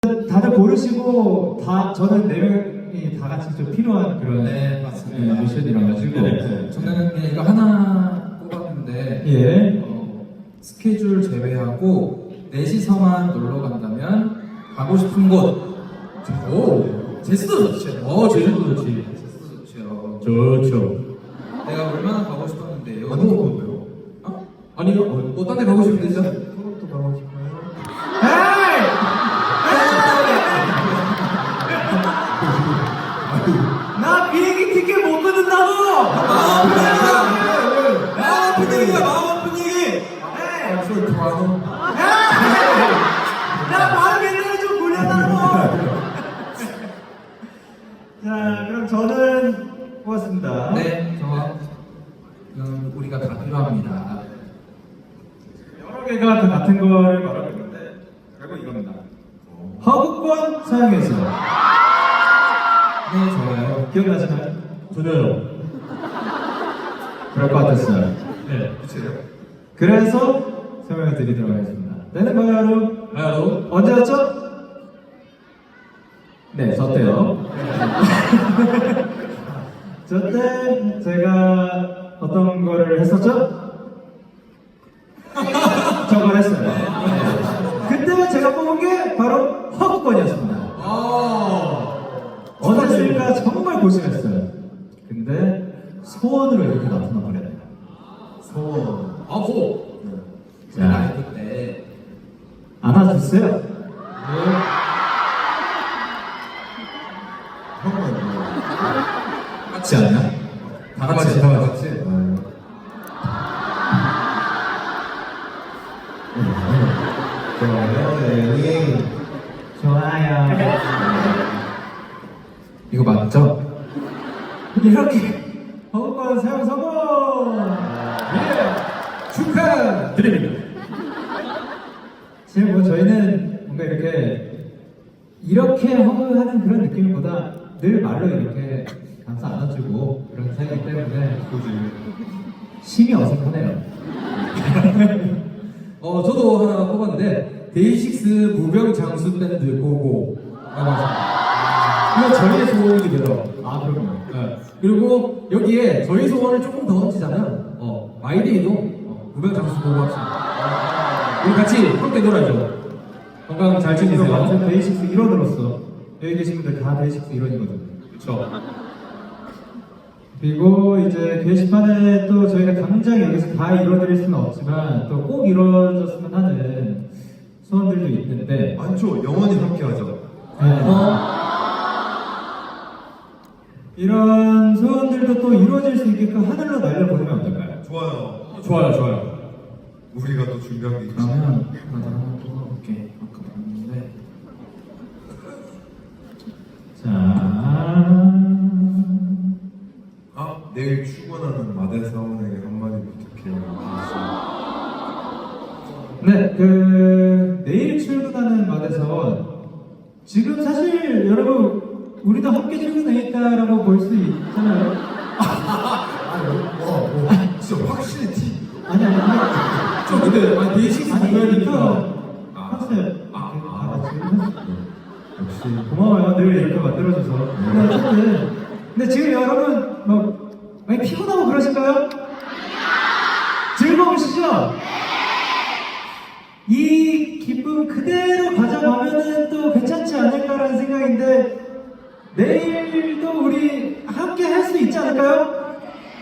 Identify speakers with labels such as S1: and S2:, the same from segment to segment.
S1: 다들 고르시고 저는 네 명이 다 같이 좀 필요한 그런
S2: 맞습니다.
S1: 미션이라 가지고
S2: 저는 그냥 이거 하나 뽑았는데
S1: 예.
S2: 스케줄 제외하고 넷이서만 놀러 간다면 가고 싶은 곳. 오, 제주도 좋죠. 제주도 좋지. 제주도 좋죠.
S1: 좋죠.
S2: 내가 얼마나 가고 싶었는데요.
S3: 어디 건데요?
S2: 아니요. 딴 데 가고 싶은데 진짜.
S3: 서울도 가고 싶어요.
S1: 나 비행기 티켓 못 끊는다고!
S2: 분위기야, 마음 분위기.
S3: 술 좋아하노?
S1: 나 마음 옛날에 좀 굴렸다고! 자, 그럼 저는 고맙습니다.
S2: 네, 우리가 다 필요합니다.
S1: 여러 개가 다 같은 거를 말하고 있는데 결국 이겁니다. 허브권 사용해서
S2: 네, 좋아요.
S1: 기억나시나요? 전혀요. 그럴 것 같았어요.
S3: 네. 그치요?
S1: 그래서 설명을 드리도록 하겠습니다. 때는 바로 언제였죠? 네, 저 때요. 저 때 제가 어떤 거를 했었죠? 저걸 했어요. 그때 제가 뽑은 게 바로 허브권이었습니다. 어제 했으니까 정말 고심했어요. 근데 소원으로 이렇게 나타나 버렸네요. 소원.
S2: 제가 라이브 때
S1: 안아주세요.
S3: 형은 뭐?
S1: 같이 않나?
S2: 다 같이.
S3: 좋아요, 네.
S1: 좋아요.
S2: 이거 맞죠?
S1: 이렇게 허브권 사용 성공! 예! 축하드립니다. 지금 뭐 저희는 뭔가 이렇게 허브하는 그런 느낌보다 늘 말로 이렇게 감싸 안아주고 그런 사이기 때문에 심이 어색하네요.
S2: 저도 하나 뽑았는데 데이식스 무병장수 밴드 고고 라고 하셨습니다. 이거 저희의 소원이 되더라고요.
S1: 아, 그럼요.
S2: 네. 그리고 여기에 저희 소원을 조금 더 얹히자면 마이데이도 무병장수 고고 합시다. 우리 같이 함께 놀아야죠. 건강 잘 지내세요.
S1: 완전 데이식스 일원으로서 여기 계신 분들 다 데이식스 일원이거든요.
S2: 그렇죠.
S1: 그리고 이제 게시판에 또 저희가 당장 여기서 다 이뤄드릴 수는 없지만 또 꼭 이루어졌으면 하는 소원들도 있는데
S3: 많죠. 영원히 함께하죠.
S1: 이런 소원들도 또 이루어질 수 있게끔 하늘로 날려보내면 어떨까요?
S3: 좋아요.
S2: 좋아요.
S3: 우리가 또 준비한 게 있지.
S2: 그러면 나도 하나 뽑아볼게. 아까 봤는데
S1: 자,
S3: 내일 출근하는 마대 사원에게 한마디 부탁해요.
S1: 네, 내일 출근하는 마대사원 지금 사실 여러분 우리도 함께 출근해 있다라고 볼 수 있잖아요.
S3: 진짜 확실히 티.
S1: 아니
S2: 근데 데이식스
S1: 아니
S2: 무병이니까
S1: 하세요. 다 같이 역시 고마워요. 늘 이렇게 만들어줘서. 근데 지금 여러분 뭐 많이 피곤하고 그러실까요? 즐거우시죠? 이 기쁨 그대로 가져가면은 또 괜찮지 않을까라는 생각인데 내일도 우리 함께 할 수 있지 않을까요?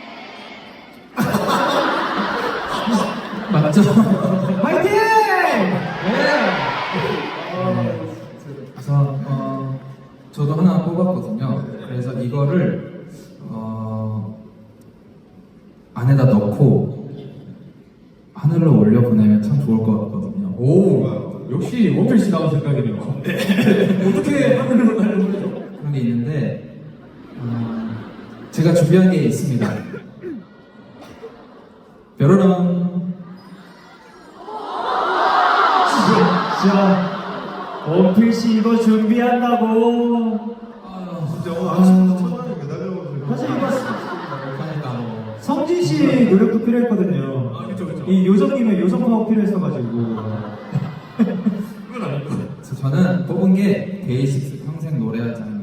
S2: 맞죠?
S1: 화이팅!
S2: 그래서 저도 하나 뽑았거든요. 그래서 이거를 안에다 넣고 하늘로 올려 보내면 참 좋을 것 같거든요.
S3: 오,
S2: 역시 원필씨 나온 생각이네요. 어떻게 하늘로 날려보내죠? 그런 게 있는데 제가 준비한 게 있습니다. 뾰로롱.
S1: 진짜 원필씨 이거 준비한다고
S3: 진짜 오늘 아침부터 천안에 매달려가지고.
S1: 사실 이거
S2: 그러니까 뭐
S1: 성진씨 노력도 필요했거든요.
S2: 그쵸.
S1: 이 요정님의 요정 파워 필요했어가지고
S2: 그건 아니고.
S4: 저는 뽑은 게 데이식스 평생 노래하자입니다.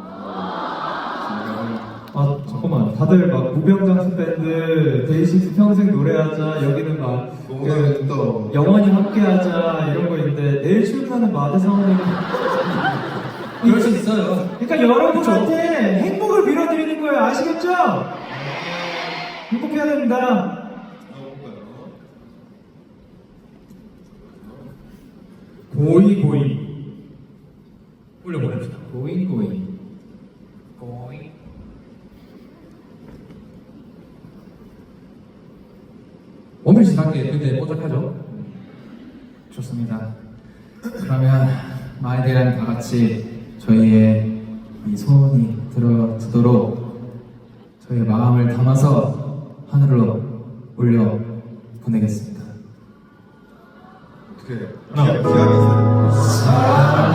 S1: 아 잠깐만 다들 막 무병장수 밴드 데이식스 평생 노래하자 여기는 막
S3: 뭔가 또
S1: 영원히 함께하자 이런 거 있는데 내일 출근하는 마대 상원에게
S4: 그럴 수 있어요.
S1: 그러니까 여러분한테 행복을 빌어드리는 거예요 아시겠죠? 행복해야 됩니다.
S2: 고이 올려보냅시다.
S4: 고잉 고잉.
S2: 원필 씨 밖에 굉장히 뽀짝하죠?
S4: 좋습니다. 그러면 마이데이랑 다 같이 저희의 이 소원이 들어지도록 저희의 마음을 담아서 하늘로 올려 보내겠습니다.
S3: 어떻게 기합이 있어요?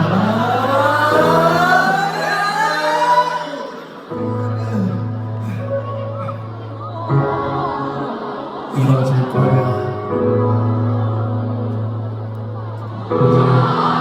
S4: 이루어질 거야.